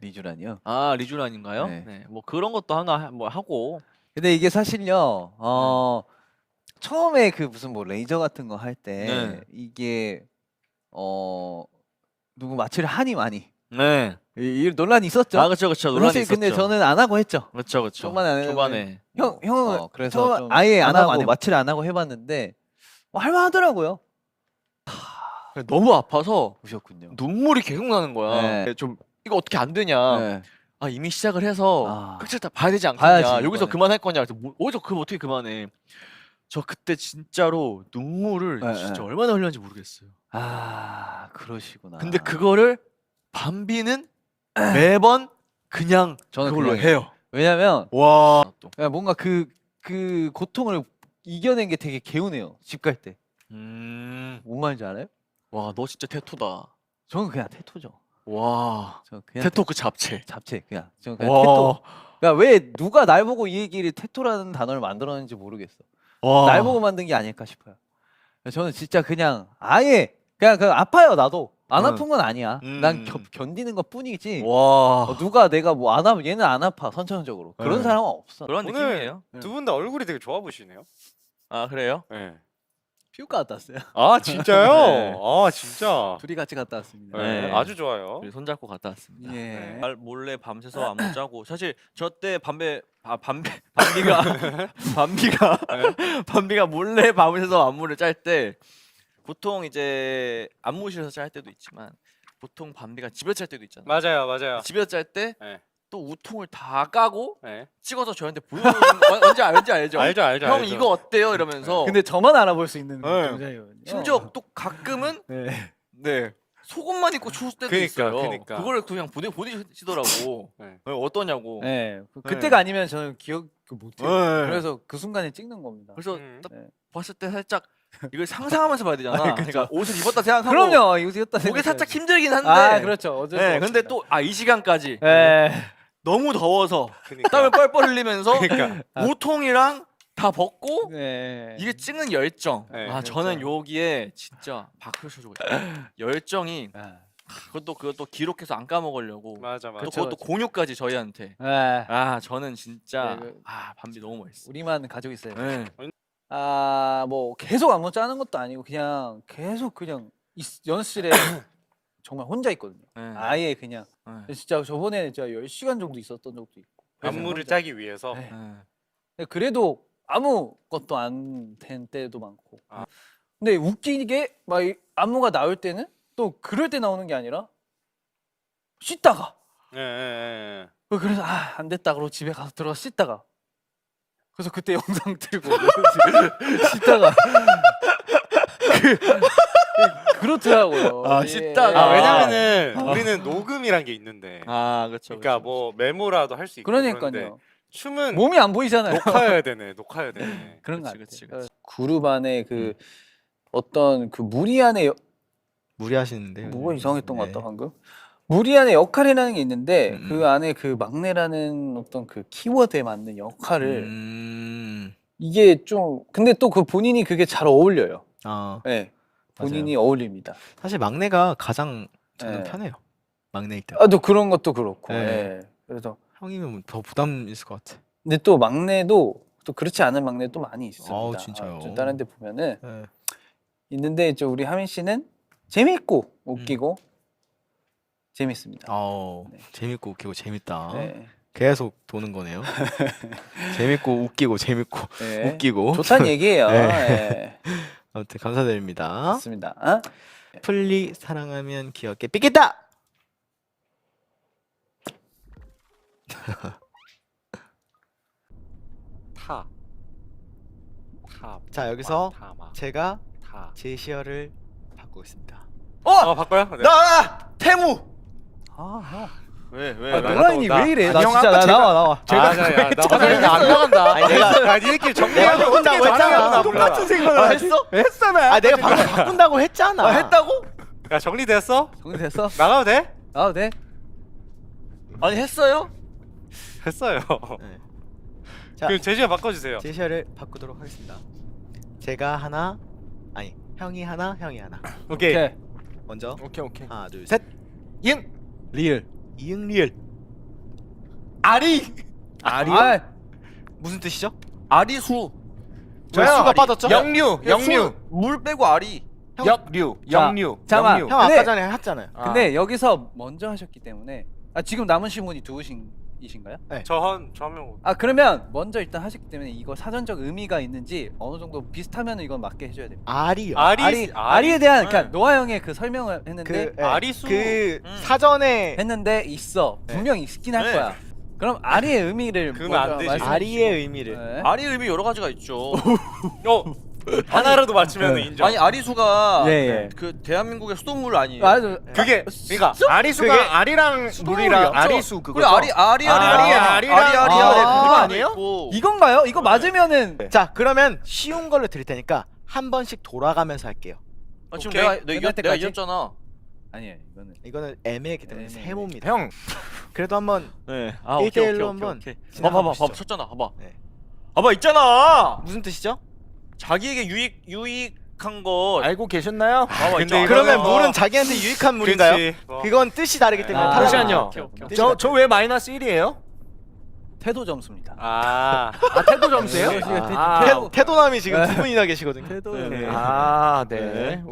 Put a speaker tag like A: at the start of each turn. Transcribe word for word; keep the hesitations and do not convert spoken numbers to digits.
A: 리쥬란이요.
B: 아 리쥬란인가요?
A: 네.
B: 네. 뭐 그런 것도 하나 뭐 하고.
A: 근데 이게 사실요. 어 처음에 그 무슨 뭐 레이저 같은 거 할 때
B: 네.
A: 이게 어 누구 마취를 하니 마니
B: 네.
A: 이, 이 논란이 있었죠.
B: 아 그렇죠 그렇죠. 논란이
A: 사실
B: 있었죠.
A: 근데 저는 안 하고 했죠.
B: 그렇죠 그렇죠.
A: 초반에 안 해도
B: 초반에.
A: 형 형은
C: 어, 그래서
A: 처음
C: 좀
A: 아예 안
C: 안
A: 하고
C: 하고 안
A: 마취를 안 하고 해봤는데 뭐 할만하더라고요.
B: 너무 아파서
A: 보셨군요.
B: 눈물이 계속 나는 거야.
A: 네.
B: 좀 이거 어떻게 안 되냐.
A: 네.
B: 아 이미 시작을 해서
A: 아.
B: 끝을 다 봐야 되지 않겠냐.
A: 봐야지,
B: 여기서
A: 이거는.
B: 그만할 거냐. 그래서 뭐, 어디서 그 어떻게 그만해. 저 그때 진짜로 눈물을
A: 네,
B: 진짜
A: 네.
B: 얼마나 흘렸는지 모르겠어요.
A: 아 그러시구나.
B: 근데 그거를 밤비는 매번 그냥
A: 저는
B: 그걸로
A: 그냥
B: 해요.
A: 왜냐면
B: 와. 또.
A: 그냥 뭔가 그 그 고통을 이겨낸 게 되게 개운해요. 집 갈 때.
B: 음.
A: 뭔 말인지 알아요?
B: 와, 너 진짜 테토다.
A: 저는 그냥 테토죠.
B: 와.
A: 저는 그냥
B: 테토 그 잡채.
A: 잡채 그냥. 저는 그냥
B: 와.
A: 테토. 그러니까 왜 누가 날 보고 이 얘기를 테토라는 단어를 만들었는지 모르겠어.
B: 와.
A: 날 보고 만든 게 아닐까 싶어요. 저는 진짜 그냥 아예 그냥 그 아파요 나도. 안
B: 응.
A: 아픈 건 아니야.
B: 음.
A: 난 겨, 견디는 것 뿐이지.
B: 와.
A: 어, 누가 내가 뭐 안 하면 얘는 안 아파 선천적으로. 그런
B: 네.
A: 사람은 없어.
B: 그런
C: 오늘
B: 느낌이에요.
C: 두 분 다 얼굴이 되게 좋아 보이시네요.
B: 아, 그래요?
C: 네.
A: 피부과 갔다 왔어요.
C: 아 진짜요?
B: 네.
C: 아 진짜.
A: 둘이 같이 갔다 왔습니다.
C: 네.
B: 네.
C: 아주 좋아요.
B: 우리 손잡고 갔다 왔습니다.
A: 예.
B: 말 몰래 밤새서 안무 짜고 사실 저 때 밤배 아 밤배 밤비가 밤비가 밤비가 몰래 밤새서 안무를 짤 때 보통 이제 안무실에서 짤 때도 있지만 보통 밤비가 집에서 짤 때도 있잖아요.
C: 맞아요, 맞아요.
B: 집에서 짤 때 또
C: 네.
B: 우통을 다 까고
C: 네.
B: 찍어서 저한테 보여주는 거 뭔지 알지 알죠?
C: 알죠, 알죠.
B: 형
C: 알죠.
B: 이거 어때요? 이러면서
A: 근데 저만 알아볼 수 있는
C: 네.
A: 동작이거든요.
B: 심지어 또 가끔은
A: 네.
B: 네 속옷만 입고 추울 때도
C: 그니까,
B: 있어요.
C: 그니까.
B: 그걸 그냥 보내 보내시더라고.
C: 네.
B: 네, 어떠냐고.
A: 네. 그- 그때가 아니면 저는 기억 못해요.
B: 네.
A: 그래서 그 순간에 찍는 겁니다.
B: 그래서
C: 음.
B: 딱
A: 네.
B: 봤을 때 살짝 이걸 상상하면서 봐야 되잖아.
A: 아,
B: 그러니까 옷을 입었다 생각하고
A: 그럼요. 이거 찍었다
B: 그게
A: 생각해야지.
B: 살짝 힘들긴 한데.
A: 아 그렇죠. 어쩔 수
B: 네,
A: 없습니다.
B: 근데 또 아 이 시간까지
A: 네.
B: 너무 더워서
C: 그니까.
B: 땀을 뻘뻘 흘리면서
C: 그니까.
B: 우통이랑 다 벗고
A: 네.
B: 이게 찍는 열정.
C: 네,
B: 아
A: 그렇죠.
B: 저는 여기에 진짜 박수 쳐주고 있어요. 열정이
A: 아.
B: 그것도 그것도 기록해서 안 까먹으려고.
C: 맞아,
B: 또
C: 맞아.
A: 그쵸,
B: 그것도
A: 그쵸.
B: 공유까지 저희한테.
A: 네.
B: 아 저는 진짜
A: 네, 그-
B: 아 밤비 너무 멋있어.
A: 우리만 가지고 있어요.
B: 네.
A: 아, 뭐 계속 안무 짜는 것도 아니고 그냥 계속 그냥 이 연습실에 정말 혼자 있거든요.
B: 네.
A: 아예 그냥
B: 네.
A: 진짜 저번에 진짜 열 시간 정도 있었던 적도 있고.
C: 안무를
A: 혼자.
C: 짜기 위해서.
A: 네.
B: 네.
A: 근데 그래도 아무것도 안 된 때도 많고.
C: 아.
A: 근데 웃기게 막 이 안무가 나올 때는 또 그럴 때 나오는 게 아니라 씻다가
C: 예, 예, 예.
A: 어, 그래서 아, 안 됐다 그러고 집에 가서 들어가 씻다가 그래서 그때 영상 들고 씻다가 그, 그렇더라고요.
B: 아,
A: 예.
B: 씻다가.
C: 아,
B: 아.
C: 왜냐면은 우리는 녹음이란 게 있는데.
B: 아 그렇죠.
C: 그러니까 뭐 메모라도 할 수 있고. 그런데
A: 그러니까요.
C: 춤은
A: 몸이 안 보이잖아요.
C: 녹화해야 되네. 녹화해야 되네.
A: 그런 거
B: 그치,
A: 같아요.
B: 그치, 그치.
A: 그룹 안에 그 어떤 그 무리안의 여-
B: 무리하시는데요.
A: 뭐가 이상했던 것
B: 네.
A: 같다 방금. 무리안의 역할이라는 게 있는데
B: 음.
A: 그 안에 그 막내라는 어떤 그 키워드에 맞는 역할을
B: 음.
A: 이게 좀 근데 또 그 본인이 그게 잘 어울려요.
B: 아
A: 네. 본인이
B: 맞아요.
A: 어울립니다.
B: 사실 막내가 가장 저는
A: 네.
B: 편해요. 막내일 때.
A: 아, 또 그런 것도 그렇고.
B: 네.
A: 예. 그래서
B: 형이면 더 부담 있을 것 같아.
A: 근데 또 막내도 또 그렇지 않은 막내도 많이 있습니다.
B: 아우, 진짜요?
A: 아, 좀 다른 데 보면은
B: 네.
A: 있는데 저 우리 하민 씨는 재밌고 웃기고 재밌습니다.
B: 아우
A: 네.
B: 재밌고 웃기고 재밌다.
A: 네.
B: 계속 도는 거네요. 재밌고 웃기고 재밌고
A: 네.
B: 웃기고.
A: 좋다는 얘기예요.
B: 네.
A: 네.
B: 아무튼 감사드립니다.
A: 맞습니다. 어?
B: 플리 사랑하면 귀엽게 삐겠다.
C: 타. 타.
B: 자 여기서
C: 타. 마.
B: 제가
C: 타.
B: 제시어를 바꾸고 있습니다.
C: 어, 바꿔요? 네.
B: 나 태무.
A: 아, 형.
B: 왜 왜?
A: 아,
C: 왜?
A: 노라인이
C: 나-
A: 왜 이래?
C: 아니,
A: 나
C: 형
A: 진짜
C: 아까
A: 나
C: 제가-
A: 나와 나와.
C: 제가 아, 야, 야, 나 화장실 안 나간다.
B: 아니, 내가-
C: 야, 니네끼리 정리하고
B: 내가
C: 어떻게
B: 했다고 했잖아.
C: 똑같은
A: 생각을
B: 아, 했어?
A: 했잖아.
B: 아 내가 방금 바꾼다고 했잖아.
A: 아, 했다고?
C: 야, 정리됐어?
A: 정리됐어?
C: 나가도 돼?
A: 나와도 돼?
B: 아니 했어요?
C: 했어요.
B: 네. 자
C: 그럼 제시어 바꿔주세요.
B: 제시어를 바꾸도록 하겠습니다. 제가 하나 아니 형이 하나 형이 하나.
C: 오케이.
A: 오케이.
B: 먼저
C: 오케이, 오케이.
B: 하나 둘 셋. 이응
A: 리얼.
B: 이응 리을.
D: 아리. 아리요?
A: 아,
D: 무슨 뜻이죠?
B: 아리수.
D: 저
C: 왜요?
D: 수가
C: 아리.
D: 빠졌죠?
C: 영류, 영류,
B: 수- 물 빼고 아리.
D: 형-
C: 역류,
A: 자,
C: 영류,
A: 잠깐만.
C: 영류.
D: 형
A: 근데-
D: 아까 전에 했잖아요.
A: 근데 여기서 먼저 하셨기 때문에 아 지금 남은 시문이 두분이신가요?
C: 저한 저한명
A: 아 그러면 먼저 일단 하셨기 때문에 이거 사전적 의미가 있는지 어느 정도 비슷하면 이건 맞게 해줘야 돼요.
D: 아리요.
C: 아리,
A: 아리 아리에 대한
C: 네.
A: 그러니까 노아 형의 그 설명을 했는데
D: 그 예,
C: 아리수.
D: 그
B: 음.
D: 사전에
A: 했는데 있어
D: 네.
A: 분명 있긴 할
B: 네.
A: 거야. 그럼 아리의 의미를
C: 그러면 안
A: 먼저
C: 되지.
A: 말씀해
D: 아리의
A: 주시고.
D: 의미를
A: 네.
B: 아리 의미 여러 가지가 있죠.
C: 어 하나라도 맞추면
A: 네.
C: 인정.
B: 아니 아리수가
A: 예, 예.
B: 그 대한민국의 수돗물 아니에요?
A: 맞아.
C: 그게 그러니까 아리수가
D: 그게
C: 아리랑
D: 수돗물이었죠?
C: 물이랑 아리수 그거.
B: 그래 아리 아리
C: 아,
B: 아리
C: 아리,
B: 아리 아리 아리
A: 아,
B: 그거
A: 그거
D: 아니에요?
A: 이건가요? 이거 맞으면은
D: 자 그러면 쉬운 걸로 드릴 테니까 한 번씩 돌아가면서 할게요.
B: 아, 지금
C: 오케이.
B: 내가 내
A: 끝날
B: 이겼, 내가
A: 때까지?
B: 이겼잖아.
A: 아니에요 이거는
D: 이거는 애매하기 때문에
A: 애매해.
D: 세 모입니다.
C: 형
D: 그래도 한번
B: 네. 아
D: 일 대
B: 오케이
D: 일로
B: 오케이
D: 한번
B: 오케이. 오케이.
D: 진행해
B: 봐봐 봐봐
D: 보시죠.
B: 봐봐 쳤잖아. 봐봐.
D: 네.
B: 봐봐 있잖아.
D: 무슨 뜻이죠?
B: 자기에게 유익 유익한 거.
C: 알고 계셨나요?
B: 봐봐
C: 근데
B: 있잖아.
D: 그러면
C: 이거는 뭐-
D: 물은 자기한테 유익한 물인가요?
C: 그치. 뭐.
D: 그건 뜻이 다르기 때문에
A: 아,
D: 탈락.
C: 잠시만요.
A: 오케이, 오케이, 오케이.
C: 저 저 왜 마이너스 일이에요?
A: 태도 점수입니다.
C: 아, 아 태도 점수예요?
A: 네,
C: 아,
D: 태, 태도남이 지금
A: 네.
D: 두 분이나 계시거든요.
A: 태도
B: 네.
C: 아, 네.
B: 네.